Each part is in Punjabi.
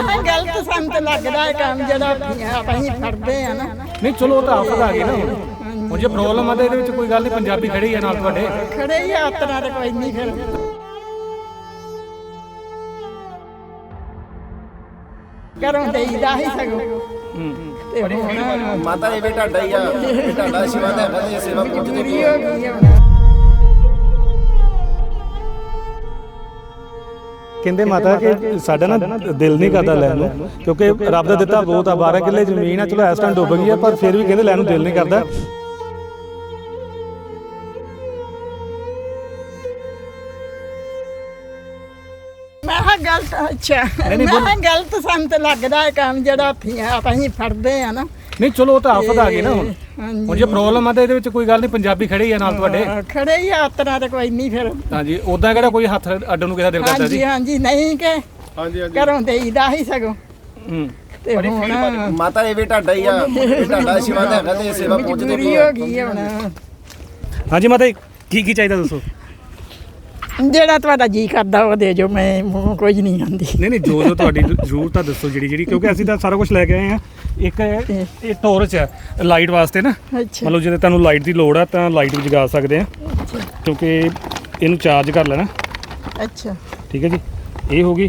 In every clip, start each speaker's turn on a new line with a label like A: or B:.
A: ਮੈਂ ਗਲਤ ਸਾਨੂੰ ਤੇ ਲੱਗਦਾ ਹੈ ਕੰਮ ਜਿਹੜਾ ਅਸੀਂ ਫੜਦੇ ਆ ਨਾ।
B: ਨਹੀਂ ਚਲੋ ਉਹ ਤਾਂ ਆਫਤ ਆ ਗਈ ਨਾ ਹੁਣ ਜੇ ਪ੍ਰੋਬਲਮ ਆ ਤਾਂ ਇਹਦੇ ਵਿੱਚ ਕੋਈ ਗੱਲ ਨਹੀਂ, ਪੰਜਾਬੀ ਖੜੇ ਹੀ ਆ ਨਾਲ ਤੁਹਾਡੇ।
A: ਖੜੇ ਹੀ ਆ ਉਤਰਾ ਤੇ ਕੋਈ ਨਹੀਂ ਫਿਰ ਘਰੋਂ ਦੇਈਦਾ ਹੀ ਸਗੋਂ। ਤੇ ਹੁਣ
C: ਮਾਤਾ ਇਹ ਵੀ ਢਾਡਾ ਹੀ ਆ, ਇਹ ਢਾਡਾ ਸ਼ਿਵਾ ਦਾ ਹੈਗਾ ਤੇ ਸੇਵਾ ਪਹੁੰਚਦੀ
A: ਪੂਰੀ ਹੋ ਗਈ ਆ ਹੁਣ।
B: ਕਹਿੰਦੇ ਮਾਤਾ ਕਿ ਸਾਡਾ ਨਾ ਦਿਲ ਨਹੀਂ ਕਰਦਾ ਲੈਣ ਨੂੰ, ਕਿਉਂਕਿ ਰੱਬ ਦਾ ਦਿੱਤਾ ਬਹੁਤ ਆ, 12 ਕਿੱਲੇ ਜ਼ਮੀਨ ਆ। ਚਲੋ ਇਸ ਟਾਈਮ ਡੁੱਬ ਗਈ ਆ, ਪਰ ਫਿਰ ਵੀ ਕਹਿੰਦੇ ਲੈਣ ਨੂੰ ਦਿਲ ਨਹੀਂ ਕਰਦਾ।
A: ਮੈਂ ਕਿਹਾ ਗਲਤ ਅੱਛਾ ਮੈਂ ਕਿਹਾ ਗਲਤ ਸਾਨੂੰ ਤੇ ਲੱਗਦਾ ਹੈ ਕੰਮ ਜਿਹੜਾ ਅਸੀਂ ਫੜਦੇ ਆ ਨਾ।
B: ਨਹੀਂ ਚਲੋ ਉਹ ਤਾਂ ਆਫਤ ਆ ਗਈ ਨਾ ਹੁਣ ਜੇ ਪ੍ਰੋਬਲਮ ਆ ਤਾਂ ਇਹਦੇ ਵਿੱਚ ਕੋਈ ਗੱਲ ਨਹੀਂ, ਪੰਜਾਬੀ ਖੜੇ ਹੀ ਆ ਨਾਲ ਤੁਹਾਡੇ।
A: ਖੜੇ ਹੀ ਆ ਉਤਰਾ ਤੇ ਕੋਈ ਨਹੀਂ ਫਿਰ।
B: ਹਾਂਜੀ ਉਦਾਂ ਕਿਹੜਾ ਕੋਈ ਹੱਥ ਅੱਡਣ ਨੂੰ ਕਿਸੇ ਦਿਲ ਕਰਦਾ ਸੀ?
A: ਹਾਂਜੀ ਨਹੀਂ ਕਿ ਘਰੋਂ ਦੇਈਦਾ ਹੀ ਸਗੋਂ। ਤੇ ਹੁਣ
C: ਮਾਤਾ ਇਹ ਵੀ ਢਾਡਾ ਹੀ ਆ, ਇਹ ਢਾਡਾ ਸ਼ਿਵਾ ਦਾ ਹੈਗਾ ਤੇ ਸੇਵਾ ਪਹੁੰਚਦੀ
A: ਪੂਰੀ ਹੋ ਗਈ ਆ ਹੁਣ।
B: ਹਾਂਜੀ ਮਾਤਾ ਕੀ ਕੀ ਚਾਹੀਦਾ ਦੱਸੋ?
A: ਜਿਹੜਾ ਤੁਹਾਡਾ ਜੀ ਕਰਦਾ ਉਹ ਦੇ ਜੋ, ਮੈਂ ਮੂੰਹ ਕੁਝ ਨਹੀਂ ਆਂਦੀ।
B: ਨਹੀਂ ਜੋ ਤੁਹਾਡੀ ਜ਼ਰੂਰਤ ਆ ਦੱਸੋ ਜਿਹੜੀ, ਕਿਉਂਕਿ ਅਸੀਂ ਤਾਂ ਸਾਰਾ ਕੁਝ ਲੈ ਕੇ ਆਏ ਆ। ਇੱਕ ਇਹ ਟੋਰਚ ਹੈ ਲਾਈਟ ਵਾਸਤੇ ਨਾ,
A: ਅੱਛਾ
B: ਮਤਲਬ ਜੇ ਤੁਹਾਨੂੰ ਲਾਈਟ ਦੀ ਲੋੜ ਆ ਤਾਂ ਲਾਈਟ ਵੀ ਜਗਾ ਸਕਦੇ ਆ, ਕਿਉਂਕਿ ਇਹਨੂੰ ਚਾਰਜ ਕਰ ਲੈਣਾ।
A: ਅੱਛਾ
B: ਠੀਕ ਹੈ ਜੀ, ਇਹ ਹੋ ਗਈ।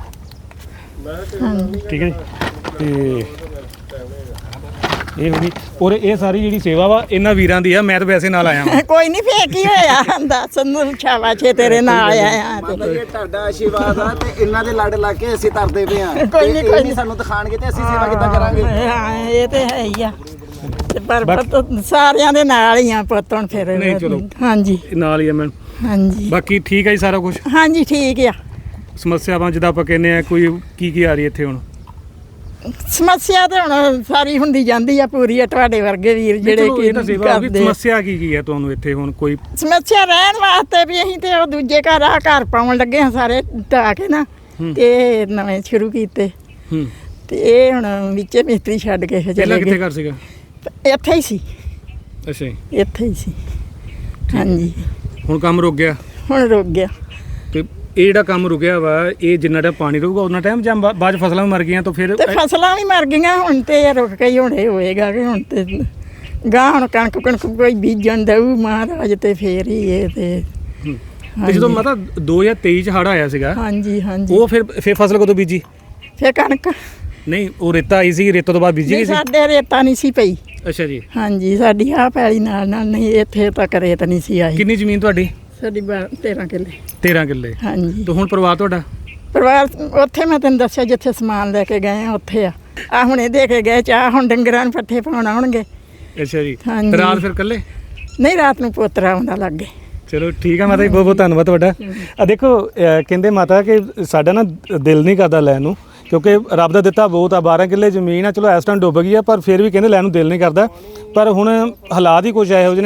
B: ਠੀਕ ਹੈ ਜੀ, ਤੇ ਇਹ ਹੋ ਗਈ। ਔਰ ਇਹ ਸਾਰੀ ਜਿਹੜੀ ਸੇਵਾ ਵਾ ਇਹਨਾਂ ਵੀਰਾਂ ਦੀ ਆ, ਮੈਂ ਤਾਂ ਵੈਸੇ ਨਾਲ ਆਇਆ ਵਾਂ।
A: ਕੋਈ ਨਹੀਂ ਫੇਰ ਕੀ ਹੋਇਆ, ਦੱਸ ਨੂੰ ਸ਼ਾਬਾਸ਼ੇ ਤੇਰੇ ਨਾਲ ਆਇਆ
C: ਮਾਤਾ ਇਹ ਢਾਡਾ ਆਸ਼ੀਰਵਾਦ ਆ ਤੇ ਇਹਨਾਂ ਦੇ ਲੜ ਲਾ ਕੇ ਅਸੀਂ ਤਰਦੇ ਪਏ ਆ।
A: ਕੋਈ ਨੀ, ਕੋਈ ਨੀ।
C: ਸਾਨੂੰ ਦਿਖਾਣਗੇ ਤੇ ਅਸੀਂ ਸੇਵਾ ਕਿੱਦਾਂ ਕਰਾਂਗੇ?
A: ਹਾਂ ਇਹ ਤੇ ਹੈ ਹੀ ਆ, ਤੇ ਪਰ ਪੁੱਤ ਸਾਰਿਆਂ ਦੇ ਨਾਲ ਹੀ ਆ ਪੁੱਤ ਹੁਣ ਫਿਰ।
B: ਨਹੀਂ, ਚਲੋ।
A: ਹਾਂਜੀ
B: ਨਾਲ ਹੀ ਆ ਮੈਂ।
A: ਹਾਂਜੀ
B: ਬਾਕੀ ਠੀਕ ਹੈ ਜੀ ਸਾਰਾ ਕੁਝ।
A: ਹਾਂਜੀ ਠੀਕ ਆ।
B: ਸਮੱਸਿਆਵਾਂ ਜਿੱਦਾਂ ਆਪਾਂ ਕਹਿੰਦੇ ਆ, ਕੋਈ ਕੀ ਆ ਰਹੀ ਇੱਥੇ ਹੁਣ?
A: ਸਮੱਸਿਆ ਤੇ ਹੁਣ ਸਾਰੀ ਹੁੰਦੀ ਜਾਂਦੀ ਆ ਪੂਰੀ ਆ, ਤੁਹਾਡੇ ਵਰਗੇ ਵੀਰ ਜਿਹੜੇ
B: ਚਲੋ ਇਹ ਤਾਂ ਸੇਵਾ ਹੋ ਗਈ।
A: ਕਰਦੇ।
B: ਸਮੱਸਿਆ ਕੀ ਹੈ ਤੁਹਾਨੂੰ ਇੱਥੇ ਹੁਣ? ਕੋਈ
A: ਸਮੱਸਿਆ ਰਹਿਣ ਵਾਸਤੇ ਵੀ ਅਸੀਂ ਤੇ ਉਹ ਦੂਜੇ ਘਰ ਪਾਉਣ ਲੱਗੇ ਹਾਂ ਸਾਰੇ ਢਾਹ ਕੇ ਨਾ, ਤੇ ਨਵੇਂ ਸ਼ੁਰੂ ਕੀਤੇ। ਤੇ ਇਹ ਹੁਣ ਵਿੱਚੇ ਮਿਸਤਰੀ ਛੱਡ ਕੇ
B: ਪਹਿਲਾਂ
A: ਚਲੇ
B: ਕਿੱਥੇ
A: ਗਏ।
B: ਘਰ ਸੀਗਾ?
A: ਇੱਥੇ ਹੀ ਸੀ,
B: ਅੱਛਾ ਜੀ,
A: ਇੱਥੇ ਹੀ ਸੀ। ਹਾਂਜੀ
B: ਹੁਣ ਕੰਮ ਰੁਕ ਗਿਆ?
A: ਹੁਣ ਰੁਕ ਗਿਆ।
B: ਤੇ ਇਹ ਜਿਹੜਾ ਕੰਮ ਰੁਕਿਆ ਵਾ, ਇਹ ਜਿੰਨਾ ਟਾਈਮ ਪਾਣੀ ਰਹੂਗਾ ਉਹਨਾਂ ਟਾਈਮ, ਜਾਂ ਬਾਅਦ 'ਚ ਫਸਲਾਂ ਵੀ ਮਰ ਗਈਆਂ ਤਾਂ ਫਿਰ?
A: ਤੇ ਫਸਲਾਂ ਵੀ ਮਰ ਗਈਆਂ ਹੁਣ, ਤੇ ਇਹ ਰੁਕ ਕੇ ਹੀ ਹੁਣ ਇਹ ਹੋਏਗਾ ਕਿ ਹੁਣ ਤੇ ਗਾਂ ਹੁਣ ਕਣਕ ਕੋਈ ਬੀਜਣ ਦਊ ਮਹਾਰਾਜ, ਤੇ ਫੇਰ ਹੀ ਇਹ
B: ਤੇ ਜਦੋਂ ਮਤਲਬ 2023 ਚ ਹੜ੍ਹ ਆਇਆ ਸੀਗਾ,
A: ਹਾਂਜੀ ਹਾਂਜੀ,
B: ਉਹ ਫਿਰ ਫਸਲ ਕਦੋਂ ਬੀਜੀ?
A: ਫੇਰ ਕਣਕ
B: ਨਹੀਂ ਉਹ ਰੇਤਾ ਆਈ ਸੀ, ਰੇਤੇ ਤੋਂ ਬਾਅਦ ਬੀਜੀ ਗਈ ਸੀ?
A: ਸਾਡੇ ਰੇਤਾ ਨਹੀਂ ਸੀ ਪਈ।
B: ਅੱਛਾ ਜੀ,
A: ਹਾਂਜੀ ਸਾਡੀ ਆਹ ਪੈਲੀ ਨਾਲ ਨਹੀਂ, ਇੱਥੇ ਤੱਕ ਰੇਤ ਨਹੀਂ ਸੀ ਆਈ।
B: ਕਿੰਨੀ ਜ਼ਮੀਨ ਤੁਹਾਡੀ?
A: ਸਾਡੀ 13 ਕਿੱਲੇ।
B: 13 ਕਿੱਲੇ।
A: ਹਾਂਜੀ
B: ਤੇ ਹੁਣ ਪਰਿਵਾਰ ਤੁਹਾਡਾ?
A: ਪਰਿਵਾਰ ਉੱਥੇ ਮੈਂ ਤੈਨੂੰ ਦੱਸਿਆ ਜਿੱਥੇ ਸਮਾਨ ਲੈ ਕੇ ਗਏ ਆ ਉੱਥੇ ਆ ਹੁਣੇ ਦੇ ਕੇ ਗਏ ਚਾਹ, ਹੁਣ ਡੰਗਰਾਂ ਨੂੰ ਪੱਠੇ ਪਾਉਣ ਆਉਣਗੇ।
B: ਅੱਛਾ ਜੀ,
A: ਹਾਂਜੀ।
B: ਤੇ ਰਾਤ ਫਿਰ ਇਕੱਲੇ?
A: ਨਹੀਂ ਰਾਤ ਨੂੰ ਪੋਤਰਾ ਆਉਂਦਾ ਲੱਗੇ।
B: ਚਲੋ ਠੀਕ ਆ ਮਾਤਾ ਜੀ, ਬਹੁਤ ਬਹੁਤ ਧੰਨਵਾਦ ਤੁਹਾਡਾ। ਆ ਦੇਖੋ ਕਹਿੰਦੇ ਮਾਤਾ ਕਿ ਸਾਡਾ ਨਾ ਦਿਲ ਨਹੀਂ ਕਰਦਾ ਲੈਣ ਨੂੰ, ਕਿਉਂਕਿ ਰੱਬ ਦਾ ਦਿੱਤਾ ਬਹੁਤ ਆ, 12 ਕਿੱਲੇ ਜ਼ਮੀਨ ਆ। ਚਲੋ ਇਸ ਟਾਈਮ ਡੁੱਬ ਗਈ ਆ, ਪਰ ਫਿਰ ਵੀ ਕਹਿੰਦੇ ਲੈਣ ਨੂੰ ਦਿਲ ਨਹੀਂ ਕਰਦਾ। ਪਰ ਹੁਣ ਹਾਲਾਤ ਹੀ ਕੁਝ ਇਹੋ ਜਿਹੇ ਨੇ